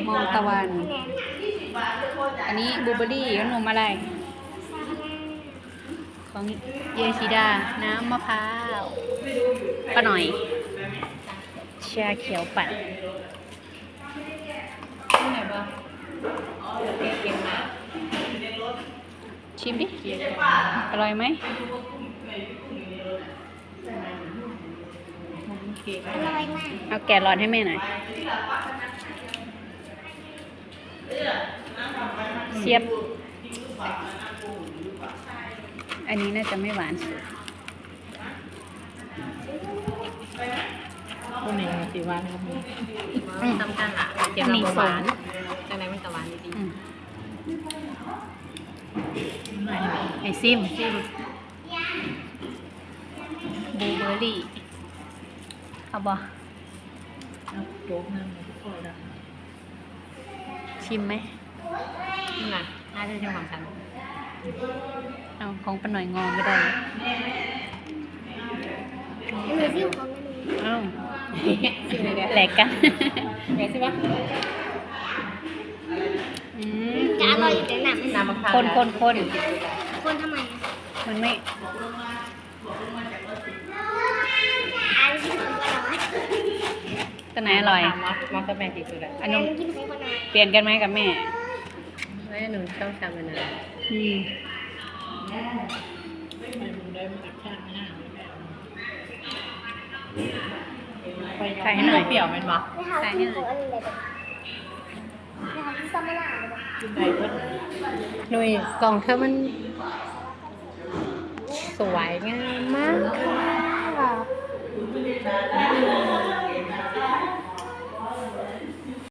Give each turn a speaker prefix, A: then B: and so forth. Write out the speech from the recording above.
A: มองตะวัน อันนี้บลูเบอร์รี่ขนมอะไร ของเยชิดา น้ำมะพร้าวป้าหน่อย ชาเขียวปั่นชิมดิ อร่อยไหม
B: อร่อยมาก
A: เอาแกะร้อนให้แม่หน่อยเสียบ อันนี้น่าจะไม่หวานสุด
C: พวกนี้สีหวานครับมี
D: สำคัญละเก็บเราหวานจังไรมันจะหวานดี
A: อืม
C: ไม่
A: ไอซิมบลูเบอร์รี่ เอาบ่
C: เอาโจ๊กนั่งทุกคนละ
A: ชิมไหม
D: ๆนี่นะน่าจะเป็นของฉัน
A: เอาของป้าหน่อยงอไม่ได้เลย
B: อันนี้ที่ของอันนี้
A: เอ้า
D: สิเลยเดี๋ยว
A: แหลกกัน
D: เดี๋ยวสิวะ
A: อืม
B: จะอร่อยอยู่แต่หนัก
D: น้ำมะพร้าว
A: คนคนคน
B: คนทำไม
A: มันไม่
B: อันที่ของอร่อย
A: ตัวไหนอร่อย
D: มากับแม่กี่สุดเลย
A: อัน
B: อัน
A: นู้น
B: นี้กินของอร่อย
A: เปลี่ยนกันไหมกับแม่
D: แม่หนูชอบทำมันนะ
A: อืม
C: ไม่รู้ได้มาจากข้างห้างไป
A: ใส่ให้หน่อย
D: เปรี้ยวเป็นบ่
B: ไม่ทำกินของอะไรเลยไม่ทำที่ซัมมาลาเลย
C: กินได้เพิ่น
D: หนุ่ยกล่องเธอมันสวยงามมากค่ะ